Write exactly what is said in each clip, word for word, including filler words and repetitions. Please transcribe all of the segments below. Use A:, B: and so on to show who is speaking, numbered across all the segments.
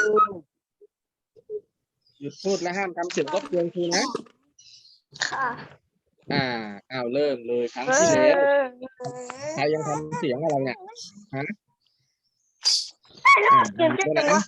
A: หยุดพูดและห้ามทำเสียงรบกวนครูนะ
B: ค่ะ
A: อ่าอ้าวเริ่มเลยครั้งที่แล้วใครยังทำเสียงอะไรเนี่ยฮะอ่ามีด้วยนะ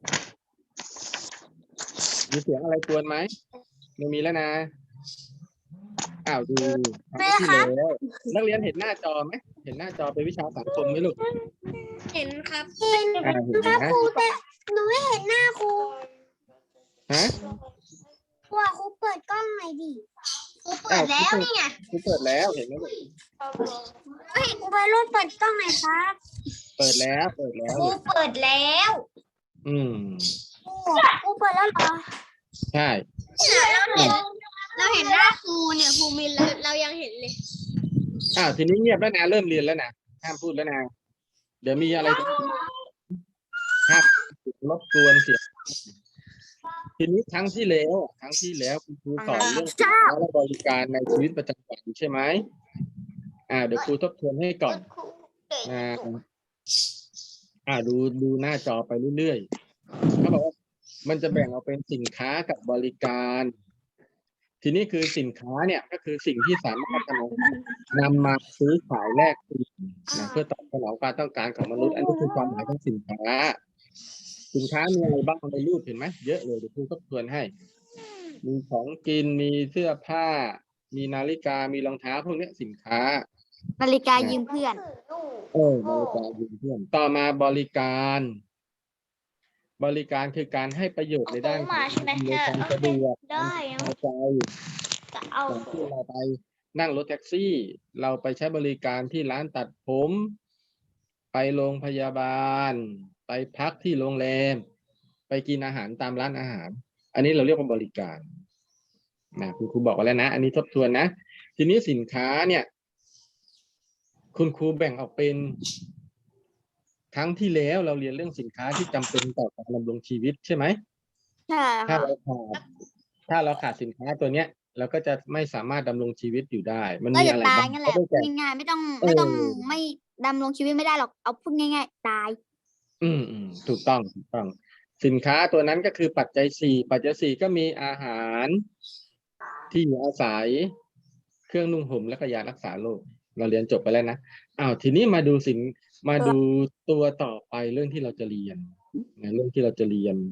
A: มีเสียงอะไรกวนไหมไม่มีแล้วนะอ้าวดูครั้งที่แล้วนักเรียนเห็นหน้าจอไหมเห็นหน้าจอเป็นวิชาสังคมไหมลูก
B: เห็นครับ
A: อ่าเห็นนะ
B: ครูแต่หนูไม่เห็นหน้าครู
A: ฮะ
B: ว่าครูเปิดกล้องหน่อยดิครูเปิดแล้วนี่ไง
A: ครูเปิดแล้วเห็นไหมลูก
B: เฮ้ยครูไปรุ่นเปิดกล้องหน่อยครับ
A: เปิดแล้วเปิดแล้ว
B: ครูเปิดแล้ว
A: อืม
B: ครูเปิดแล้วเหรอ
A: ใช่
B: เราเห็นเราเห็นหน้าครูเนี่ยครูมินเราเรายังเห็นเลย
A: อ้าวทีนี้เงียบแล้วนะเริ่มเรียนแล้วนะห้ามพูดแล้วนะเดี๋ยวมีอะไรห้ามรบกวนเสียงทีนี้ครั้งที่แล้วครั้งที่แล้วคุณครูสอนเรื่องสินค้าและบริการในชีวิตประจำวันใช่ไหมอ่าเดี๋ยวครูทบทวนให้ก่อนอ่าอ่าดูดูหน้าจอไปเรื่อยๆเขาบอกว่ามันจะแบ่งออกเป็นสินค้ากับบริการ ทีนี้คือสินค้าเนี่ยก็คือสิ่งที่สามารถนำมาซื้อขายแลกเปลี่ยนนะเพื่อตอบสนองความต้องการของมนุษย์อันนี้คือความหมายของสินค้า สินค้ามีอะไรบ้างในรูปเห็นไหมเยอะเลยเดี๋ยวครูทบทวนให้ มีของกินมีเสื้อผ้า มีนาฬิกามีรองเท้าพวกนี้สินค้า
C: นาฬิกายืมเพื่อน
A: เออบริการยืมเพื่อนต่อมาบริการ บริการคือการให้ประโยชน์ในด้านของอำนวยความสะดวกความพอใจ
B: จะเอา
A: อย่างที่เราไปนั่งรถแท็กซี่ เราไปใช้บริการที่ร้านตัดผม ไปโรงพยาบาล ไปพักที่โรงแรม ไปกินอาหารตามร้านอาหาร อันนี้เราเรียกว่าบริการนะคุณครูบอกไว้แล้วนะ อันนี้ทบทวนนะ ทีนี้สินค้าเนี่ย คุณครูแบ่งออกเป็นครั้งที่แล้วเราเรียนเรื่องสินค้าที่จำเป็นต่อการดำรงชีวิตใช่ไหม
C: ใช่
A: ถ้า
C: ค่ะ
A: เราขาดถ้าเราขาดสินค้าตัวเนี้ยเราก็จะไม่สามารถดำรงชีวิตอยู่ได้ มัน
C: ก็
A: มี
C: จะ
A: อะไร
C: ตาย
A: บ้าง
C: งั้นแห
A: ก็
C: ละ
A: ได้แก่
C: ง่ายๆไม่ต้อง
A: เออ
C: ไม่ต้องไม่ดำรงชีวิตไม่ได้หรอกเอาพูดง่ายๆตาย
A: อืมอืมถูกต้องถูกต้อง สินค้าตัวนั้นก็คือปัจจัยสี่ปัจจัยสี่ก็มีอาหารที่อยู่อาศัย เครื่องนุ่งห่มและก็ยารักษาโรคเราเรียนจบไปแล้วนะอ้าวทีนี้มาดูสินมาดูตัวต่อไปเรื่องที่เราจะเรียนนะเรื่องที่เราจะเรียน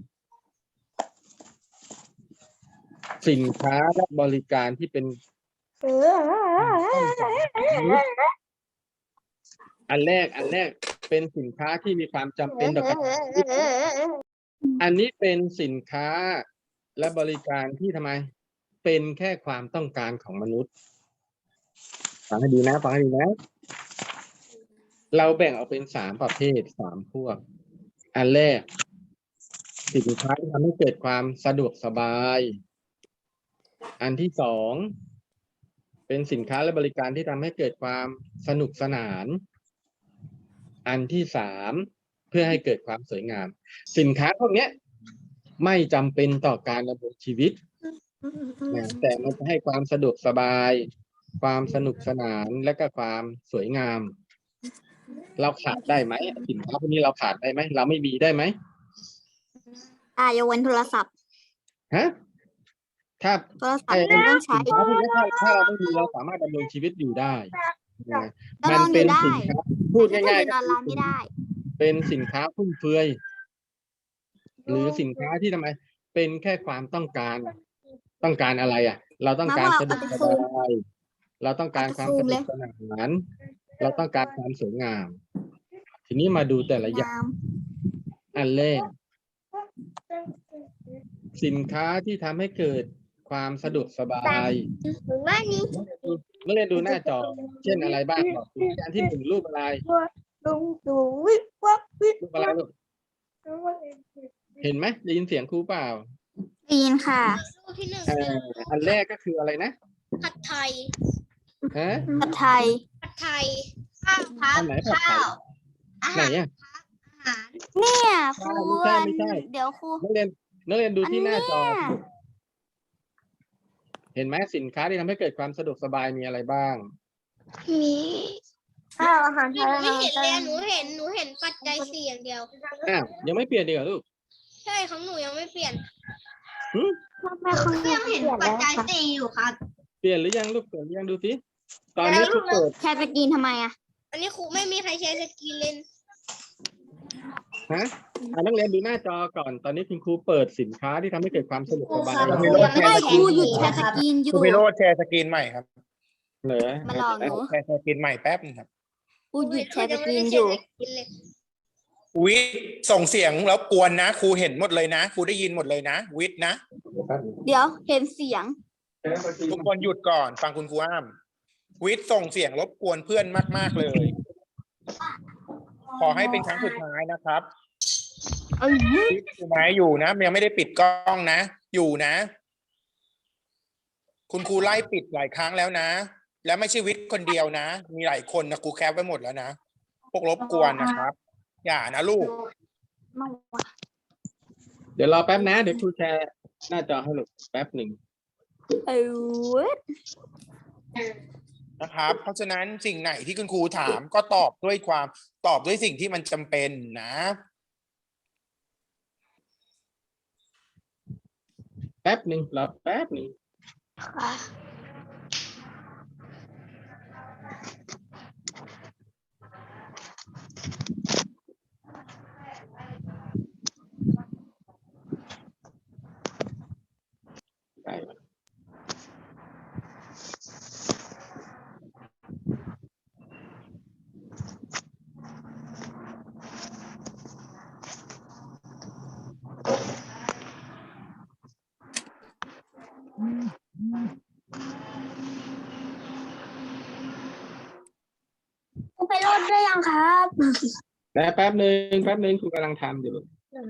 A: สินค้าและบริการที่เป็นอันแรกอันแรกเป็นสินค้าที่มีความจำเป็นต่อการอันนี้เป็นสินค้าและบริการที่ทำไม เป็นแค่ความต้องการของมนุษย์ฟังให้ดีนะฟังให้ดีนะ เราแบ่งออกเป็นสามประเภทสามพวก อันแรก สินค้าที่ทำให้เกิดความสะดวกสบาย อันที่สองเป็นสินค้าและบริการที่ทำให้เกิดความสนุกสนาน อันที่สามเพื่อให้เกิดความสวยงาม สินค้าพวกนี้ไม่จำเป็นต่อการดำรงชีวิตนะแต่มันจะให้ความสะดวกสบาย ความสนุกสนานและก็ความสวยงาม เราขาดได้ไหมสินค้าพวกนี้เราขาดได้ไหมเราไม่มีได้ไหม
C: อ่ายกเว้นโทรศัพท์
A: ฮะถ้า
C: โทรศัพท์มันต้องใช้
A: สินค้าพวกนี้ถ้าถ้าเราไม่มีเราสามารถดำรงชีวิตอยู่ได้นะ
C: ดำ
A: มั
C: รงอยู่
A: เป็น
C: ได้
A: สินค้าพูด
C: แต่
A: ง่าย
C: ถ้าเรียนออนไลน์ไม่ได้
A: ๆเป็นสินค้าฟุ่มเฟือยหรือสินค้าที่ทำไม เป็นแค่ความต้องการ ต้องการอะไรอ่ะ เราต้องการ
C: มาบอก
A: สะดวก
C: เอา
A: ส
C: ไปซูม
A: บายเราต้องการความ
C: เอาไปซู
A: ส
C: ม
A: นุ
C: เล
A: ก
C: ย
A: สนานเราต้องการความสวยงาม ทีนี้มาดูแต่ละอย่าง
C: งาม
A: อันแรก สินค้าที่ทำให้เกิดความสะดวกสบาย
B: ว่านี้
A: เมื่อเรียนดูหน้าจอ เช่นอะไรบ้างบอกดูอันที่หนึ่งรูปอะไร
B: ลุงดูวิบวับวิบ
A: รูปอะไรลูกเห็นไหมได้ยินเสียงครูเปล่า
C: ได้ยินค่ะ
B: รูปที่หนึ่ง
A: เอ่ออันแรกก็คืออะไรนะ
B: ผัดไทย
A: ฮะ
C: ผัดไทย
B: ผัดไทยข้าวพั
A: อั
B: บ
A: นไหนผัดไท
B: ข้า
A: ยว
B: อา
A: ไหน
B: หาร
A: อ่ะ
B: อาหาร
C: เนี่ยครู
A: ไม่ใช่ไม่ใช่
C: เดี๋ยวครู
A: นักเรียนนักเรียนดู
C: อัน
A: ที่ห
C: เนี้
A: น้าย จอ เห็นไหมสินค้าที่ทำให้เกิดความสะดวกสบายมีอะไรบ้าง
B: มีข้าวอาหารไทยไม่เห็นเลยหนูเห็นหนูเห็นปัจจัยสี่อย่างเดียว
A: อ้าวยังไม่เปลี่ยนดีกว่าลูก
B: ใช่ของหนูยังไม่เปลี่ยน
C: ทำไมเขา
B: ก็ยังเห็นปัจจัยสี่อยู่ครับ
A: เปลี่ยนหรือยังลูกเปลี่ยนหรือยังดูสิตอนนี้ครูเปิด
C: แชร์สกรีนทำไมอ่ะ
B: อันนี้ครูไม่มีใครใช้สกรีนเล่น
A: ฮะอ่ะนักเรียนดูหน้าจอก่อน ตอนนี้คุณครูเปิดสินค้าที่ทำให้เกิดความสะดวกสบาย
D: ครู
A: แล้ว
D: ครับ
C: ไม่ได้ครูหยุดแชร์สกรีนอ
D: ค
C: ยู่
D: รูพิโรจน์แชร์สกรีนใหม่ครับ
A: เหรอ
C: มาหลอกหนู
D: แชร์สกรีนใหม่แป๊บนึงครับ
C: ครูหยุดแชร์สกรีนอยู่
D: วิทย์ส่งเสียงแล้วกวนนะครูเห็นหมดเลยนะครูได้ยินหมดเลยนะ วิทย์นะ
C: เดี๋ยวเห็นเสียง
D: ทุกคนหยุดก่อนฟังคุณครูอ้ามวิทย์ส่งเสียงรบกวนเพื่อนมาก ๆเลย ขอให้เป็นครั้งสุดท้ายนะครับวิทย์อยู่ไหมอยู่นะยังไม่ได้ปิดกล้องนะ อยู่นะ คุณครูไล่ปิดหลายครั้งแล้วนะ แล้วไม่ใช่วิทย์คนเดียวนะ มีหลายคนนะครูแคปไว้หมดแล้วนะพวกรบกวนนะครับ อย่านะลูก
A: เดี๋ยวรอแป๊บนะ เดี๋ยวครูแชร์หน้าจอให้ลูกแป๊บหนึ่ง
C: เออ
D: นะครับ เพราะฉะนั้นสิ่งไหนที่คุณครูถามก็ตอบด้วยความตอบด้วยสิ่งที่มันจำเป็นนะ
A: แป๊บหนึ่งรอแป๊บหนึ่งได้แล้ว
C: ครูไปโหลดได้ยังครับ
A: แต่แป๊บหนึ่งแป๊บหนึ่งครูกำลังทำอยู่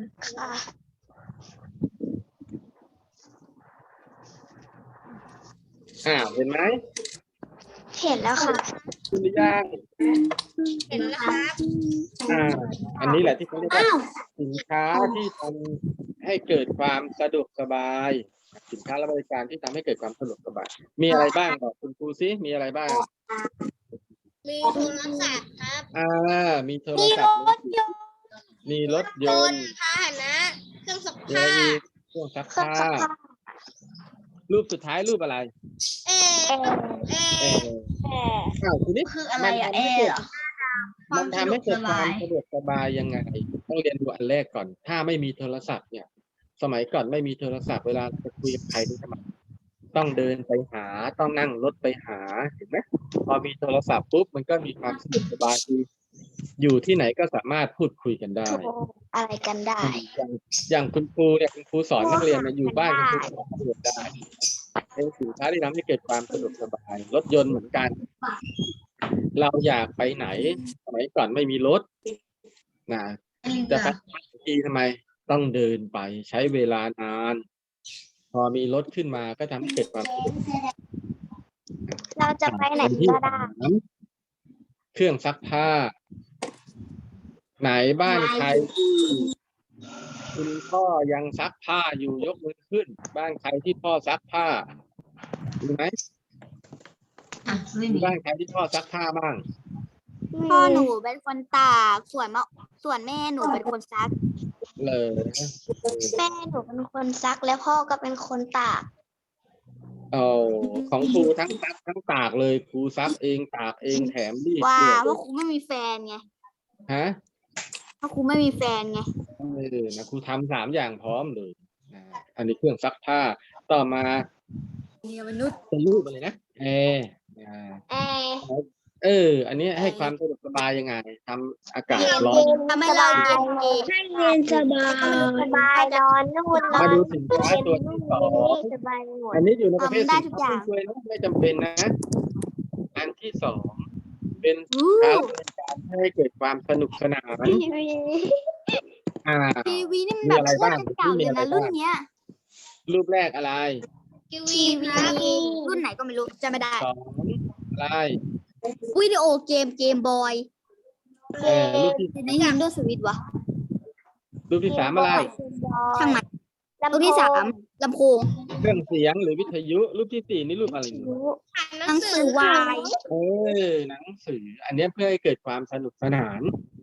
A: อ่าเห็นไหม
C: เห็นแล้วค่ะ
A: คุณหรือยัง
B: เห็นแล้วครับ
A: อ่า อันนี้แหละที่เขาเรียกว่าสินค้าที่ทำให้เกิดความสะดวกสบาย สินค้าและบริการที่ทำให้เกิดความสะดวกสบาย มีอะไรบ้างบอกคุณครูซิมีอะไรบ้าง
B: มีโทรศัพท์ครับ
A: อ่า มีโทรศัพท์มือถือมีรถย
B: ย
A: น
B: น
A: ต์
B: ต์พาหนะ เครื่องซัก
A: มีอะไร
B: ผ้า
A: อีกเครื่องซักผ้า รูปสุดท้ายรูปอะไร
B: เอเอ
A: เอออ้าวทีนี้
B: คืออะไรอะ
A: มันทำให้
B: เอ
A: เกิด
B: เหรอ
A: มันทำให้เกิดความสะดวกสบายยังไง ต้องเรียนดูอันแรกก่อน ถ้าไม่มีโทรศัพท์เนี่ย สมัยก่อนไม่มีโทรศัพท์เวลาจะคุยกับใครนี่ทำไมต้องเดินไปหา ต้องนั่งรถไปหา เห็นไหมพอมีโทรศัพท์ปุ๊บมันก็มีความสะดวกสบายคืออยู่ที่ไหนก็สามารถพูดคุยกันได้
C: อะไรกันได้
A: อย่างอย่างคุณครูเนี่ยคุณครูสอนนักเรียนมาอยู่บ้านคุณครูสอนนักเรียนได้เป็นสินค้าที่ทำให้เกิดความสะดวกสบาย รถยนต์เหมือนกัน เราอยากไปไหนสมัยก่อนไม่มีรถนะจะไปทีทำไมต้องเดินไปใช้เวลานาน พอมีรถขึ้นมาก็ทำให้เกิดความสะดวก
C: เราจะไปไหน
A: อัที่
C: ก็ได้
A: สามเครื่องซักผ้า ไหนบ้านใครที่คุณพ่อยังซักผ้าอยู่ยกมือขึ้น บ้านใครที่พ่อซักผ้ามีไหมมีบ้านใครที่พ่อซักผ้าบ้าง
C: พ่อหนูเป็นคนตากส่วนมะส่วนแม่หนูเป็นคนซัก
A: เลย
C: แม่หนูเป็นคนซักแล้วพ่อก็เป็นคนตาก
A: เอาของครูทั้งซักทั้งตากเลยครูซักเองตากเองแถมรีด
C: ว่า
A: ด้วย
C: เพราะครูไม่มีแฟนไง
A: ฮะ
C: เพราะครูไม่มีแฟนไง
A: เออนะครูทำสามอย่างพร้อมเลยนะอันนี้เครื่องซักผ้าต่อมาเป็นรูปอะไรนะแอร์อ่า
C: แอร์
A: เออ อันนี้ให้ความสะดวกสบายยังไงทำอากาศร้อน
C: ทำให้เราเย็นเอง
B: ให้เย็นสบาย
C: สบายนอนนู่นนอ
A: มาน ดูสินค้าตัวที่สอง
C: สบายหมด
A: อันนี้อยู่ในประเภท
C: ทำได้
A: สิน
C: ทุกอ
A: ค้า
C: ย่าง
A: ฟุ่มเฟือยนะไม่จำเป็นนะ อันที่สองเป็นสิ
C: อู้
A: นค้าบริการให้เกิดความสนุกสนาน
C: ทีวี
A: อ่า
C: ทีวีนี่มัน
A: มี
C: แบบ
A: อะไร
C: โค
A: บ้าง
C: ตรเก่าเลยนะรุ่นเนี้ย
A: รูปแรกอะไร
B: ทีวี
C: ทีวี
B: ครับ
C: รุ่นไหนก็ไม่รู้จำไม่ได้
A: สองอะไร
C: วิดีโอเกมเกมบอย
A: เออรูปที่
C: ใน Nintendo Switch วะ
A: รูปที่สามอะไร
C: ช่างมันรุ่นที่สามลำโพง
A: เครื่องเสียงหรือวิทยุ รูปที่สี่นี่รูปอะไรเนี่ย
C: หนังสือวาย
A: เออหนังสือ อันเนี้ยเพื่อให้เกิดความสนุกสนาน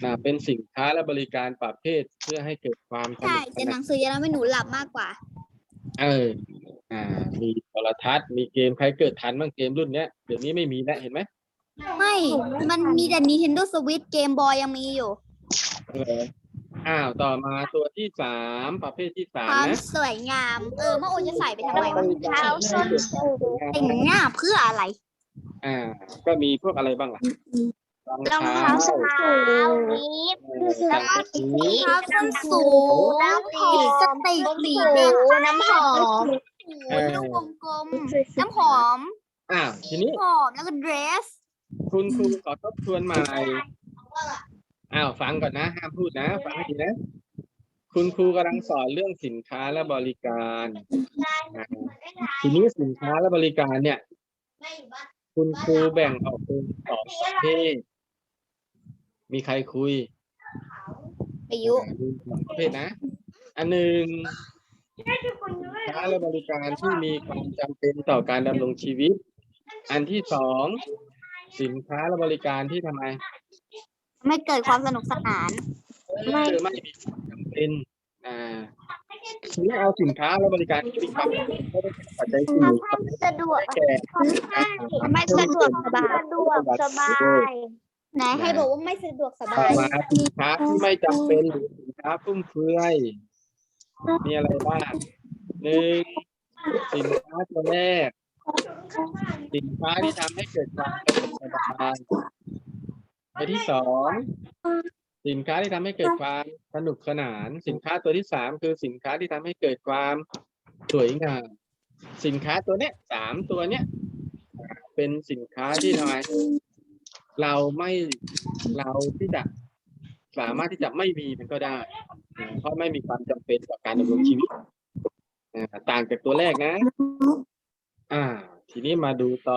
A: นะเป็นสินค้าและบริการประเภทเพื่อให้เกิดความส
C: ใช่
A: นุกส
C: แต่ห
A: นา
C: นั
A: น
C: งสือจะทำให้หนูหลับมากกว่า
A: เออ อ่า มีโทรทัศน์มีเกมใครเกิดทันบ้างเกมรุ่นเนี้ยเดี๋ยวนี้ไม่มีแล้วเห็นไหม
C: ไม่ มันมีแต่ Nintendo Switch เกมบอยยังมีอยู่
A: เอออ้าวต่อมาตัวที่สามประเภทที่สา
C: ค
A: ม
C: วาม
A: นะ
C: สวยงาม เออมะโอจะใส่ไปทำไม
A: บ
C: วะ
A: ริการ
C: เท้า
A: ที่
C: ส้
A: ให้
C: น
A: เกิดความสวยงาม
C: แต่งหน้าเพื่ออะไร
A: อ่า ก็มีพวกอะไรบ้างล่ะรอง
C: รอง
A: เท้า
C: เท้าส้นสูง
A: เออสายสี
C: รองเท้าส้นสูงน้ำหอมลิปสติกสีแดงน้ำหอม
A: เออ
C: ลูกวงกลม น้ำหอม
A: อ้าวทีนี้
C: หอมแล้วก็เดรส
A: คุณครูขอทบทวนใหม่อ้าวฟังก่อนนะห้ามพูดนะฟังให้ดีนะ คุณครูกำลังสอนเรื่องสินค้าและบริการอ่าทีนี้สินค้าและบริการเนี่ย คุณครูแบ่งออกเป็นสองประเภทมีใครคุย
C: อายุ
A: มีสองประเภทนะ อันหนึ่งสินค้าและบริการที่มีความจำเป็นต่อการดำรงชีวิต อันที่สองสินค้าและบริการที่ทำไม
C: ไม่เกิดความสนุกสนาน
A: ไม่ไม่มีความจำเป็นอ่าทีนี้เอาสินค้าและบริการที่มีความจำเป็นไม่ได้เป็นปัจจัยสี่
C: สะดวก
A: แก่
C: ไม่สะดวกสบาย
A: สะดวกสบาย
C: ไหนให้บอกว่าไม่สะดวกส
A: ต่
C: บา
A: อย มาสินค้าที่ไม่จำเป็นหรือสินค้าฟุ่มเฟือยมีอะไรบ้างหนึ่งสินค้าตัวแรก สินค้าที่ทำให้เกิดความสะดวกสบายตัวที่สองสินค้าที่ทำให้เกิดความสนุกสนาน สินค้าตัวที่สามคือสินค้าที่ทำให้เกิดความสวยงามสินค้าตัวเนี้ยสามตัวเนี้ยเป็นสินค้าที่ทำไมเราไม่เราที่จะสามารถที่จะไม่มีมันก็ได้นะเพราะไม่มีความจำเป็นต่อการดำรงชีวิตนะต่างจากตัวแรกนะ อ่า ทีนี้มาดูต่อ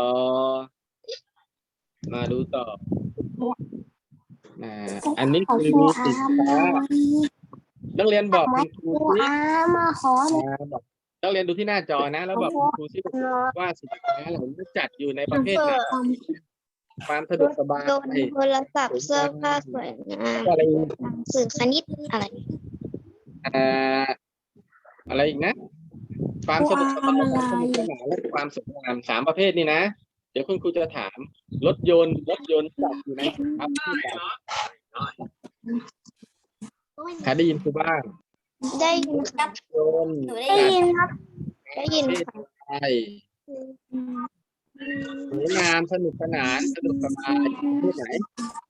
A: มาดูต่ออ่าอันนี้คือสินค้านักเรียนบอกคุณครูสิ
C: มาขอ
A: อ่าบอกนักเรียนดูที่หน้าจอนะ แล้วบอกคุณครูสิว่าสินค้าเหล่านี้จัดอยู่ในประเภทไหนความสะดวกสบาย
B: โดนโทรศัพท์เสื้อผ้าสวยงาม
A: อะไรอีก
B: สื่อคณิตอะไร
A: อ่าอะไรอีกนะ ความสะดวกสบายความสนุกสนานและความสวยงามสามประเภทนี่นะ เดี๋ยวคุณครูจะถามรถยนต์รถยนต์จัดอยู่ในครับที่ไหนใครได้ยินครูบ้าง
B: ได้ยินครับ
A: ยนต์
C: หนูได้ยินครับ
B: ได้ยิน
A: ประเภทใช่สวยงามสนุกสนานสนุกสบายประเภทไหน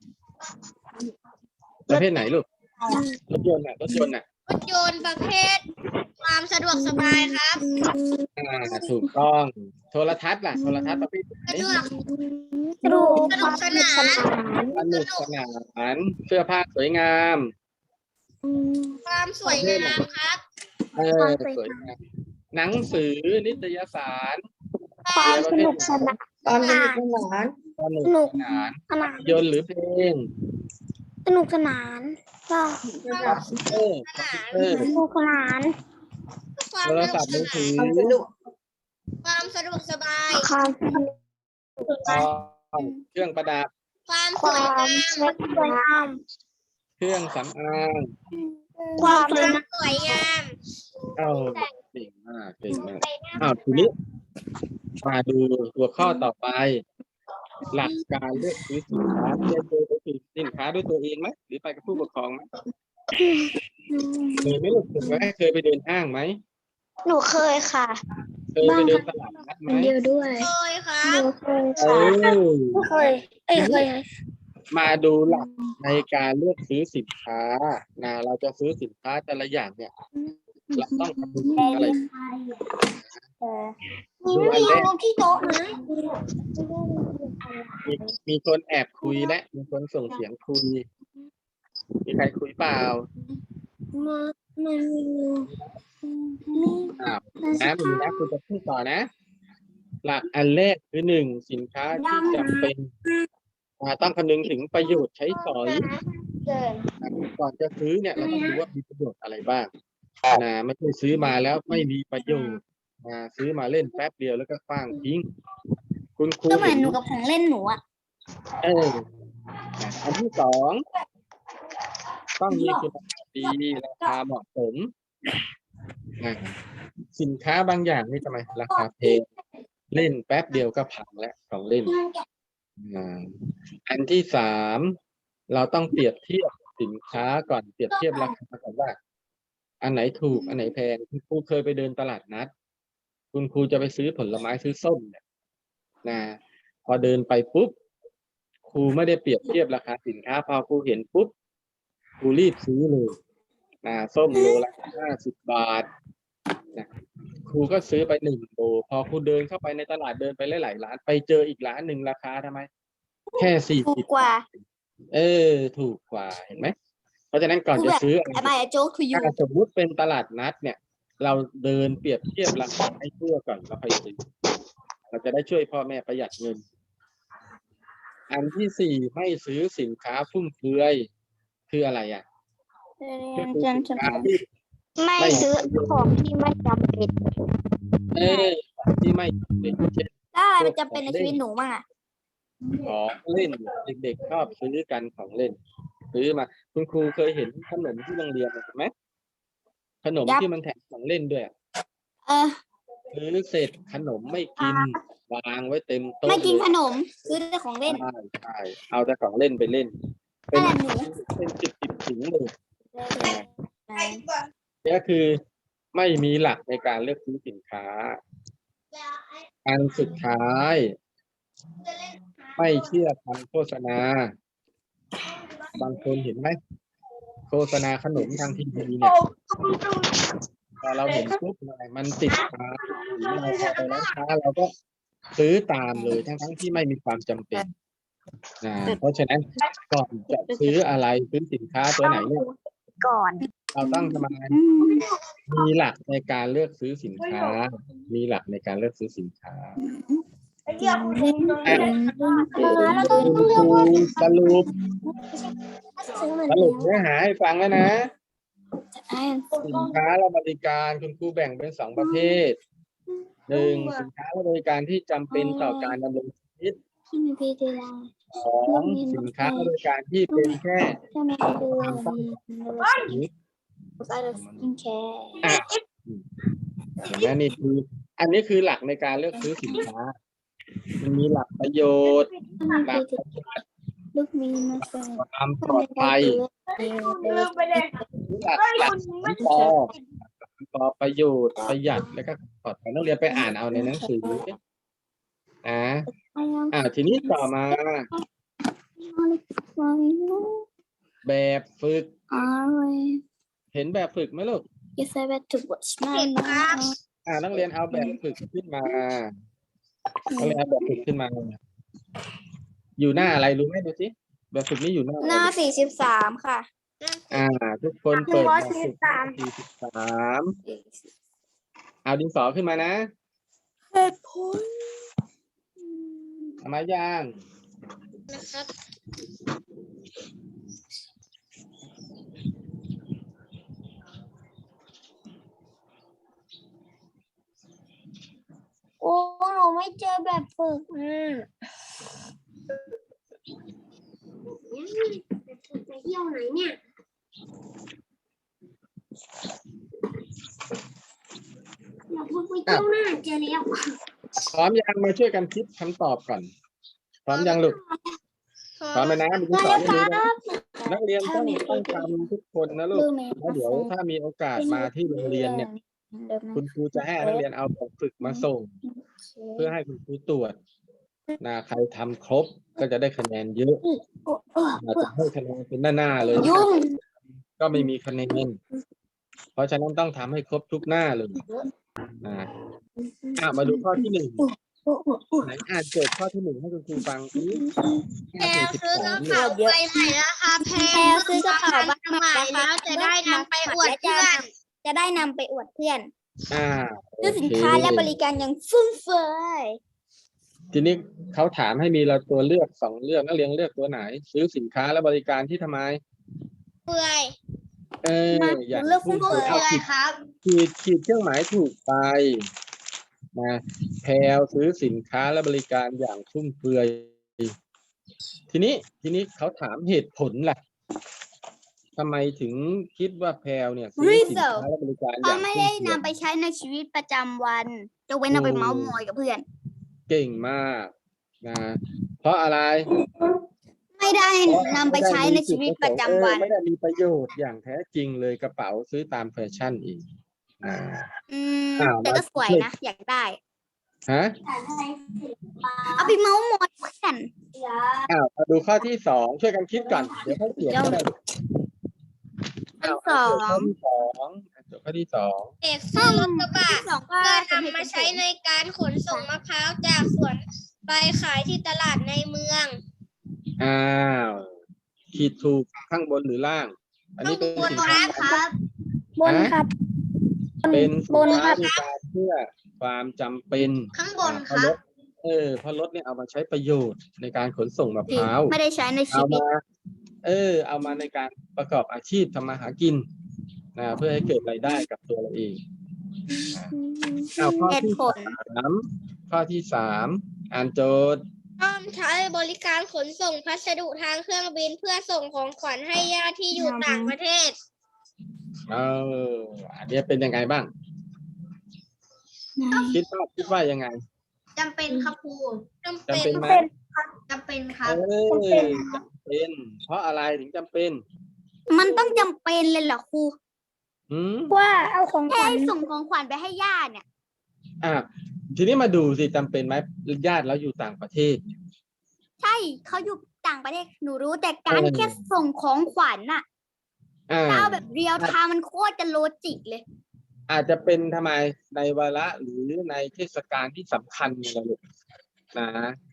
A: ประเภทไหนลูกรถยนต์อ่ะรถยนต์อ่ะ
B: รถยนต์ประเภท ความสะดวกสบายครับ
A: อ่าถูกต้องโทรทัศน์ล่ะโทรทัศน์ประเภทไหน
B: สะดวก
C: สนุก
B: สนุกสนาน
A: สนุกสนานเสื้อผ้าสวยงาม
B: ความสวยงามครับ
A: เออสวยงามหนังสือนิตยสาร
B: ความสนุกสนาน
C: ความสนุกสนาน
A: สนุกสนาน
C: ขนาด
A: ยนต์หรือเพลง
C: สนุกสนานก็
A: คอมพิวเตอร์คอมพิวเตอร์
C: สนุกสนาน
B: ความ
A: โทรศัพท์มือถือ
B: ความสะดวกสบาย
C: ความ
A: เครื่องประดับ
B: ความส
C: คว
B: วย
C: าม
B: งาม
C: สวยงาม
A: เครื่องสำอาง
C: ความ
B: ความสวยงาม
A: เอ้าเก่งมากเก่งมากอ้าวทีนี้มาดูหัวข้อต่อไป หลักการเลือกซื้อสินค้าเลือกซื้อสินค้าด้วยตัวเองไหมหรือไปกับผู้ปกครองไหมเคยไหม่ลูกเคยไหมเคยไปเดินห้างไหม
C: หนูเคยค่ะ
A: เคยไปเดินตลาดนัดไหม
C: เดียวด้วย
B: เคยครั
C: ห
B: บ
C: นูเคย
A: เอ
C: ค่ะ
A: อ
C: เคย เอ้ยเคย
A: มาดูหลักในการเลือกซื้อสินค้านะเราจะซื้อสินค้าแต่ละอย่างเนี่ยเราต้องคำนึงถึงอะไร
C: มีไม่มีลงที่โต๊ะนะ
A: มีมีคนแอบคุยและมีคนส่งเสียงคุย มีใครคุยเปล่า
C: มามันมี
A: อ้าวนะมีนะคุณจะพูดต่อนะ หลักอันแรกคือหนึ่งสินค้าที่จำเป็นอ่าต้องคำนึงถึงประโยชน์ใช้สอยก่อนจะซื้อเนี่ยเราต้องดูว่ามีประโยชน์อะไรบ้างนะไม่ใช่ซื้อมาแล้วไม่มีประโยชน์อ่าซื้อมาเล่นแป๊บเดียวแล้วก็ขว้างทิ้ง คุณครู
C: ก็เหมือนหนูกับของเล่นหนูอ่ะ
A: เอออ่ะอันที่สองต้องมีคุณภาพดีราคาเหมาะสมอ่าสินค้าบางอย่างนี่ทำไมราคาแพงเล่นแป๊บเดียวก็พังแล้วของเล่นอ่าอันที่สามเราต้องเปรียบเทียบสินค้าก่อนเปรียบเทียบราคาก่อนว่า อันไหนถูกอันไหนแพงคุณครูเคยไปเดินตลาดนัดคุณครูจะไปซื้อผลไม้ซื้อส้มเนี่ยนะพอเดินไปปุ๊บครูไม่ได้เปรียบเทียบราคาสินค้าพอครูเห็นปุ๊บครูรีบซื้อเลยนะส้มโลละห้าสิบบาทนะครูก็ซื้อไปหนึ่งโลพอครูเดินเข้าไปในตลาดเดินไปหลายๆร้านไปเจออีกร้านหนึ่งราคาทำไมแค่สี่
C: ถู
A: สิ
C: ก
A: บ
C: กว่า
A: เออถูกกว่าเห็นไหมเพราะฉะนั้นก่อนจะซื้ออะไร
C: Am I a joke to you
A: ถ้าสมมุติเป็นตลาดนัดเนี่ย เราเดินเปรียบเทียบราคาให้ทั่วก่อนแล้วค่อยซื้อเราจะได้ช่วยพ่อแม่ประหยัดเงิน อันที่สี่ไม่ซื้อสินค้าฟุ่มเฟือยคืออะไรอ่ะคือสินค้าที่
C: ไม่ซื้อของที่ไม่จำเป็น
A: เออของที่ไม่จำเป็นเช่น
C: ถ้าอะไรมันจำเป็นในชีวิตหนูบ้างอ่ะ
A: ของเล่นเด็กๆชอบซื้อกันของเล่น ซื้อมาคุณครูเคยเห็นขนมที่โรงเรียนไหมขนม
C: ยับ
A: ที่มันแถมของเล่นด้วย
C: เออ
A: ซื้อเสร็จขนมไม่กินวางไว้เต็มโต๊ะ
C: ไม่กิน
A: เลย
C: ขนมซื้อแต่ของเล่น
A: ใช่ใช่เอาแต่ของเล่นไปเล่น เป็
C: นั่
A: น
C: นแหละหนู
A: เป็นสิบสิบถุงเลยนี่ก็คือไม่มีหลักในการเลือกซื้อสินค้า อันสุดท้าย ไม่เชื่อคำโฆษณา บางคนเห็นไหมโฆษณาขนมทางทีวีเนี่ยพอเราเห็นปุ๊บมันติดตาหรือเราพอไปร้านค้าเราก็ซื้อตามเลยทั้งทั้งที่ไม่มีความจำเป็นอ่าเพราะฉะนั้นก่อนจะซื้ออะไรซื้อสินค้าตัวไหนเนี่ย
C: ก่อน
A: เราต้องทำไมมีหลักในการเลือกซื้อสินค้า มีหลักในการเลือกซื้อสินค้าคุณครูสรุปสรุปเนื้อหาให้ฟังแล้วนะ สินค้าและบริการคุณครูแบ่งเป็นสองประเภทหนึ่งสินค้าและบริการที่จำเป็นต่อการดำรงชีวิตสองสินค้าและบริการที่เป็นแค่ความต้องการชีวิตอ่ะเห็นไหมนี่คืออันนี้คือหลักในการเลือกซื้อสินค้า มันมีหลักประโยชน์หลักความปลอดภัยหลักหลักสามปอปอประโยชน์ประหยัดแล้วก็ปลอดภัยนักเรียนไปอ่านเอาในหนังสืออ่าอ่าทีนี้ต่อมา แบบฝึก เห็นแบบฝึกไหมลูก
C: Yes, I bet to watch
B: เห็นครับ
A: อ่านักเรียนเอาแบบฝึกขึ้นมานักเรียนเอาแบบฝึกขึ้นมา อยู่หน้าอะไรรู้ไหมดูสิแบบฝึกนี้อยู่หน้าอะไร
C: หน้าสี่สิบสามค่ะ
A: อ่า ทุกคนเปิดแบบฝึกสี่สิบสามเอาดินสอขึ้นมานะ
C: เหตุผล
A: เอามาย่าง
B: นะครับ
C: โอ้หนูไม่เจอแบบฝึกอ่ะ
B: ไปเที่ยวไหนเนี่ยเราพูดไปเที่ยวหน้าเจอแล้ว
A: พร้อมยังมาช่วยกันคิดคำตอบก่อน พร้อมยังลูกพร้อมไหมนะมีดินสอให้ดูนะนักเรียนต้องต้องทำทุกคนนะลูกแล้วเดี๋ยวถ้ามีโอกาสมาที่โรงเรียนเนี่ย คุณครูจะให้นักเรียนเอาแบบฝึกมาส่ง เพื่อให้คุณครูตรวจนะใครทำครบก็จะได้คะแนนเยอะอาจจะให้คะแนนเป็นหน้าๆเลย
C: ยุ่ง
A: ก็ไม่มีคะแนน เพราะฉะนั้นต้องทำให้ครบทุกหน้าเลยนะอ่ะมาดูข้อที่หนึ่งไหนอ่านโจทย์ข้อที่หนึ่งให้คุณครูฟังสิ
B: แพลซื้อกระเป๋าใบใหม่ราคาแพง
C: แพลซื้อกระเป๋าใบใหม่
B: แล้วจะได้นำไปอวดเพื่อน
C: จะได้นำไปอวดเพื่อน
A: อ่า
C: ซื้อสิน
A: โอเค
C: ค้าและบริการอย่างฟุ่มเฟือย
A: ทีนี้เขาถามให้มีเราตัวเลือกสองเลือกนักเรียนเลือกตัวไหน ซื้อสินค้าและบริการที่ทำไม
B: เปื่อย
A: เอออย่าง
C: เลือก
A: พู
C: ฟุ่
A: ด
C: มเฟื
A: เอา
C: อย
A: ผิด
B: ครับ
A: ขีดขีดเครื่องหมายถูกไปนะแพลวซื้อสินค้าและบริการอย่างฟุ่มเฟือย ทีนี้ทีนี้เขาถามเหตุผลล่ะทำไมถึงคิดว่าแพลวเนี่ยซื้อสินค้าและบริการอ
C: เขา
A: ย่าง
C: ไม่
A: ฟุ่
C: ได้
A: เฟือย
C: นำไปใช้ในชีวิตประจำวันจะเว้นเอาไปเมาส์มอยกับเพื่อน
A: เก่งมากนะเพราะอะไร
C: ไม่ได้นำไปใช้ในชีวิตประจำวัน
A: เออไม่ได้มีประโยชน์อย่างแท้จริงเลยกระเป๋าซื้อตามแฟชั่นอีกนะ
C: อืม
A: อ้าว
C: แต่ก็สวยนะอยากได้
A: ฮะ
C: เอาไปเมาส์มอยเพื่อน
A: อ้าวมาดูข้อที่สองช่วยกันคิดก่อนเดี๋ยวค่อยเขียนก็ได้
C: ข้อ
A: อ้าว
C: สอ
A: ข้อง ที่สองจบข้อที่สอง
B: เด็กซื้อรถกระบะ
C: ข้อสองก็
B: เพื่อ
C: จะ
B: นำมาใช้ในการขนส่งมะพร้าวจากสวนไปขายที่ตลาดในเมือง
A: อ้าวขีดถูกข้างบนหรือล่าง อันนี้เป็นสินค้า
C: ครับ
A: บนครับ เป็นสินค้าบริการเพื่อความจำเป็น
B: ข้างบน
A: เพ
B: ค
A: ราะ
B: รั
A: ร
B: บ
A: ถเออเพราะรถเนี่ยเอามาใช้ประโยชน์ในการขนส่งมะพร้าว
C: ไม่ได้ใช้ในชี
A: เอา
C: วิต
A: มา เออ เอามาในการประกอบอาชีพทำมาหากินนะเพื่อให้เกิดรายได้กับตัวเราเองเอาข้อ
C: เหตุ
A: ที่
C: ผล
A: สามข้อที่สามอ่านโจทย์
B: ร่วมใช้บริการขนส่งพัสดุทางเครื่องบินเพื่อส่งของขวัญให้ญาติที่อยู่ต่างประเทศ
A: เอออันนี้เป็นยังไงบ้าง คิดว่าคิดว่ายังไง
B: จำเป็นครับครูจำ
A: จำ
B: เป็
A: เป็น นไหม
B: จำเป็นครั
A: เอบ อจำเป็น เพราะอะไรถึงจำเป็น
C: มันต้องจำเป็นเลยเหรอครู
A: อืม
C: ว่าเอาของขวัญส่งของขวัญไปให้ญาติเนี่ย
A: อ่ะทีนี้มาดูสิจำเป็นไหมญาติเราอยู่ต่างประเทศ
C: ใช่เขาอยู่ต่างประเทศหนูรู้แต่การ
A: เออ
C: แค่ส่งของขวัญน่ะ
A: อ่า
C: ถ้าเอาแบบเรียลไทม์มันโคตรจะโลจิกเลย
A: อาจจะเป็นทำไมในวาระหรือในเทศกาลที่สำคัญเนี่ยลูกนะ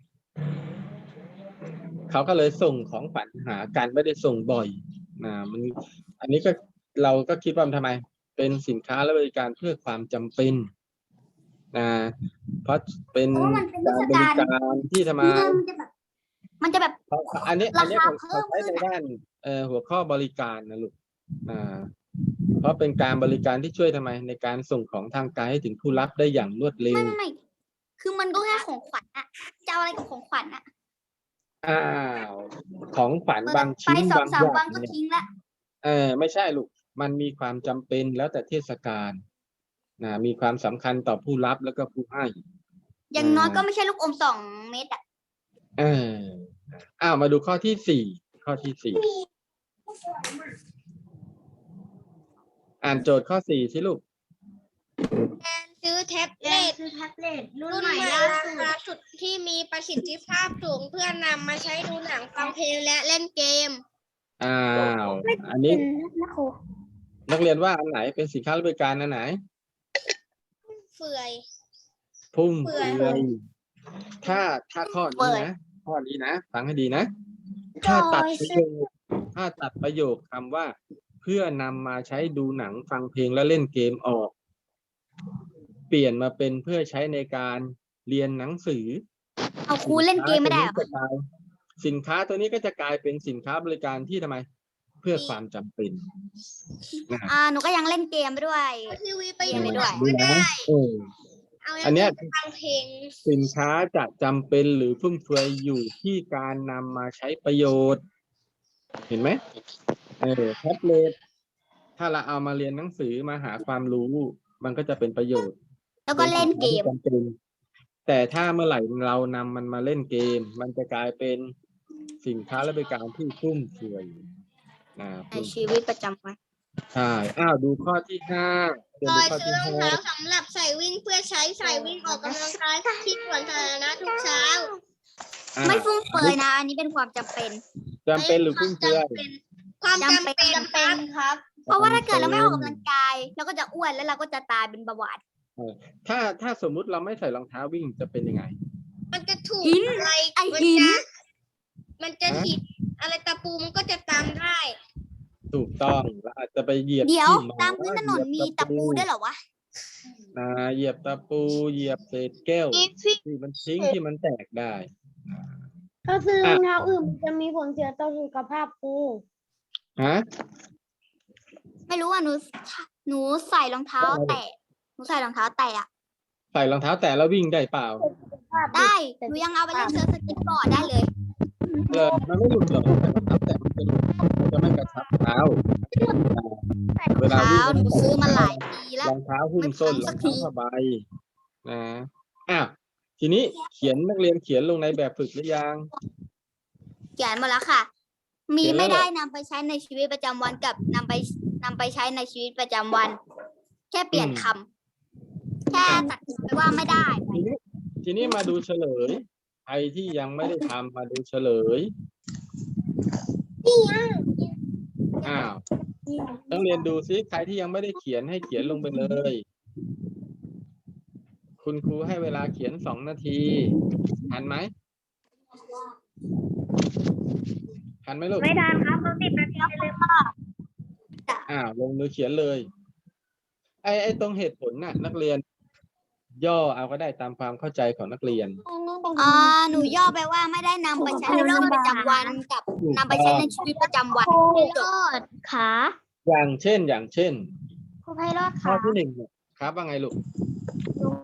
A: เขาก็เลยส่งของขวัญหากันไม่ได้ส่งบ่อยนะมัน อันนี้ก็เราก็คิดว่ามันทำไม เป็นสินค้าและบริการเพื่อความจำเป็นนะเพราะเป็น
C: เพราะว่ามันเป็นเท
A: การ
C: ศ
A: บ
C: กา
A: ริ
C: ล
A: การที่ทำไม
C: เงินมันจะแบบ มันจะแบบ
A: เขาอันนี้อันนี้
C: ราคา
A: ผมเขา
C: เพิ่
A: ใช้
C: มขึ้น
A: ในด้านเอ่อหัวข้อบริการนะลูกอ่าเพราะเป็นการบริการที่ช่วยทำไม ในการส่งของทางไกลให้ถึงผู้รับได้อย่างรวดเร็
C: ไม่
A: ว
C: ไม่ไม่คือมันก็แค่ของขวัญอะจะเอาอะไรกับของขวัญอะ
A: อ้าวของขวัญ
C: เปิด
A: บาง
C: ไป
A: ชิ้น
C: สอง
A: บาง
C: สา
A: อ
C: ม
A: ย่า
C: วัน
A: ง
C: ก็
A: เนี่ย
C: ทิ้งละ
A: เออไม่ใช่ลูกมันมีความจำเป็นแล้วแต่เทศกาลนะมีความสำคัญต่อผู้รับแล้วก็ผู้ให้
C: อย่างน้อยก็ไม่ใช่ลูกอมสองเม็ดอะ
A: เอออ้าวมาดูข้อที่สี่ข้อที่สี่อ่านโจทย์ข้อสี่สิลูก
B: การซื้อแท็บเล็ต
C: คือแท็บเล็ตรุ่
B: รุ่
C: น
B: น
C: ใหม่
B: ใหม่
C: ล่า
B: รา
C: สุด
B: คาสุดที่มีประสิทธิภาพสูงเพื่อนำมาใช้ดูหนังฟังเพลงและเล่นเกม
A: อ้าวอันนี้
C: นะครู
A: นักเรียนว่าอันไหนเป็นสินค้าและบริการอันไหน
B: เฟื่อย
A: พุ่ม
B: เฟื่
A: เฟื
B: อย
A: อยถ้าถ้าข้อนี้นะข้อนี้นะฟังให้ดีนะ ถ้าตัดประโยคถ้าตัดประโยคคำว่า เพื่อนำมาใช้ดูหนังฟังเพลงและเล่นเกมออก เปลี่ยนมาเป็นเพื่อใช้ในการเรียนหนังสือ
C: เอาครูเล่นเกมไม่ได้เหรอ
A: สินค้าตัวนี้ก็จะกลายเป็นสินค้าบริการที่ทำไม เพื่อความจำเป็นนะ
C: อ่าหนูก็ยังเล่นเกมไปด้วย
B: ทีวีไป
C: เรี
B: อย
C: น
B: ยู่
C: ไปด้วย
B: ก็ได้
A: เออ
B: เอา
A: อันเนี้ย
B: ไปฟังเพลง
A: สินค้าจะจำเป็นหรือฟุ่มเฟือยอยู่ที่การนำมาใช้ประโยชน์ เห็นไหมเออแท็บเล็ตถ้าเราเอามาเรียนหนังสือมาหาความรู้ มันก็จะเป็นประโยชน์
C: แล้วก็เล่นเกม
A: ป็นสินค้าที่จำเป็นแต่ถ้าเมื่อไหร่เรานำมันมาเล่นเกม มันจะกลายเป็นสินค้าและบริการที่ฟุ่มเฟือยนะ
C: ในชีวิตประจำวัน
A: ใช่อ้าวดูข้อที่ห้าเดี๋ยว
B: โด
A: ดู
B: ย
A: ข้อ
B: ซื้อ
A: ที่
B: รอง
A: ห้า
B: เท้าสำหรับใส่วิ่งเพื่อใช้ใส่วิ่งออกกำลังกายที่สวนสาธารณะทุกเช้า
A: อ่า
C: ไม่ฟุ่มเฟือยนะ อันนี้เป็นความจำเป็น
A: จำเป็นหรือฟุ่มเฟือย
B: ความ
C: จำ
B: จำ
C: เป็
B: เป็น น
C: จำเป็นครับ เพราะว่าถ้าเกิดเราไม่ออกกำลังกายเราก็จะอ้วนแล้วเราก็จะตายเป็นเบาหวาน
A: ถ้าถ้าสมมุติเราไม่ใส่รองเท้าวิ่งจะเป็นยังไง
B: มันจะถูก
C: หิน
B: อะไร
C: ไอ้
B: มั
C: หิน
B: จะมันจะถีบอะไรตะปูมันก็จะตามได้
A: ถูกต้องเราอาจจะไปเหยียบ
C: เดี๋ยว
A: ที่ห
C: ตามพื้นถนนมีตะปูด้วยเหรอวะ
A: นะเหยียบตะปูเหยียบเศษแก้วที่มันทิ้งที่มันแตกได้
E: ถ้าซื้อรองเท้าอื่นมันจะมีผลเสียต่อสุขภาพครู
A: ฮะ
C: ไม่รู้อ่ะหนูหนูใส่รองเท้าแตะหนูใส่รองเท้าแตะอะ
A: ใส่รองเท้าแตะแล้ววิ่งได้เปล่า
C: ได้หนูยังเอาไปเล่นเซิร์ฟสเก็ตบอร์ดได้เลย
A: เลยมันไม่หลุดหรอกแต่รองเท้าแตะมันจะจะไม่กระชับเท้าเวลา
C: เท้า
A: วิ่ง
C: หนูซื้อมาหลายปีแล้ว
A: รองเท้าหุ้มส้นร
C: ไม่พังสั
A: อง
C: กที
A: เท้าผ้าใบนะอ้าวทีนี้เขียนนักเรียนเขียนลงในแบบฝึกหรือยัง
C: เขียนหมดแล้วค่ะ มี
A: เขียนแล้ว
C: ไม่
A: เหรอ
C: ได้นำไปใช้ในชีวิตประจำวันกับนำไปนำไปใช้ในชีวิตประจำวัน แค่เปลี่ยนคำแค่ตัดไปว่าไม่ได้
A: ทีนี้ทีนี้มาดูเฉลยใครที่ยังไม่ได้ทำมาดูเฉลยอ้าวนักเรียนดูซิใครที่ยังไม่ได้เขียนให้เขียนลงไปเลย คุณครูให้เวลาเขียนสองนาทีทันไหมทันไหมลูก
B: ไม่ทันครับเราติดนาทีเลย
A: อ้าวลงมือเขียนเลย ไอ้ไอ้ตรงเหตุผลน่ะ นักเรียน ย่อเอาก็ได้ตามความเข้าใจของนักเรียน
C: อ่าหนูย่อไปว่าไม่ได้นำไปใช้ในชีวิตประจำวันกับนำไปใช้ในชีวิตประจำวันจบ
E: ขา
A: อย่างเช่น อย่างเช่น
E: ครูไพโรจน์
A: ข้อ
E: ขา
A: ที่หนึ่งเนี่ยครับว่าไงลูก